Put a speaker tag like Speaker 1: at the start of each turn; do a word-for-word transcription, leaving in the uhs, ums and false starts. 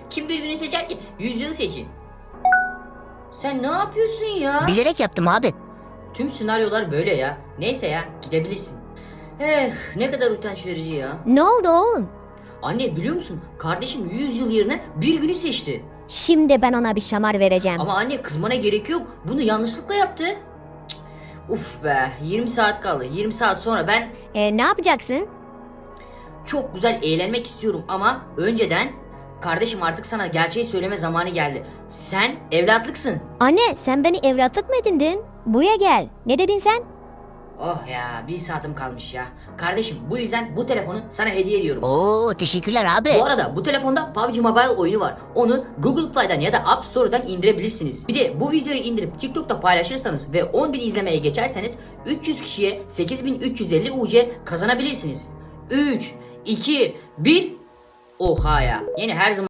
Speaker 1: Kim bir günü seçer ki? Yüzyılı seçin. Sen ne yapıyorsun ya?
Speaker 2: Bilerek yaptım abi.
Speaker 1: Tüm senaryolar böyle ya. Neyse ya, gidebilirsin. Eh, ne kadar utanç verici ya.
Speaker 3: Ne oldu oğlum?
Speaker 1: Anne biliyor musun? Kardeşim yüz yıl yerine bir günü seçti.
Speaker 3: Şimdi ben ona bir şamar vereceğim.
Speaker 1: Ama anne kızmana gerek yok. Bunu yanlışlıkla yaptı. Cık, uf be, yirmi saat kaldı. yirmi saat sonra ben
Speaker 3: E, ne yapacaksın?
Speaker 1: çok güzel eğlenmek istiyorum ama önceden kardeşim artık sana gerçeği söyleme zamanı geldi. Sen evlatlıksın.
Speaker 3: Anne sen beni evlatlık mı edindin? Buraya gel. Ne dedin sen?
Speaker 1: Oh ya, bir saatim kalmış ya. Kardeşim bu yüzden bu telefonu sana hediye ediyorum.
Speaker 2: Oo teşekkürler abi.
Speaker 1: Bu arada bu telefonda P U B G Mobile oyunu var. Onu Google Play'den ya da App Store'dan indirebilirsiniz. Bir de bu videoyu indirip TikTok'ta paylaşırsanız ve on bin izlemeye geçerseniz üç yüz kişiye sekiz bin üç yüz elli U C kazanabilirsiniz. üç, iki, bir. Oha ya. Yine her zaman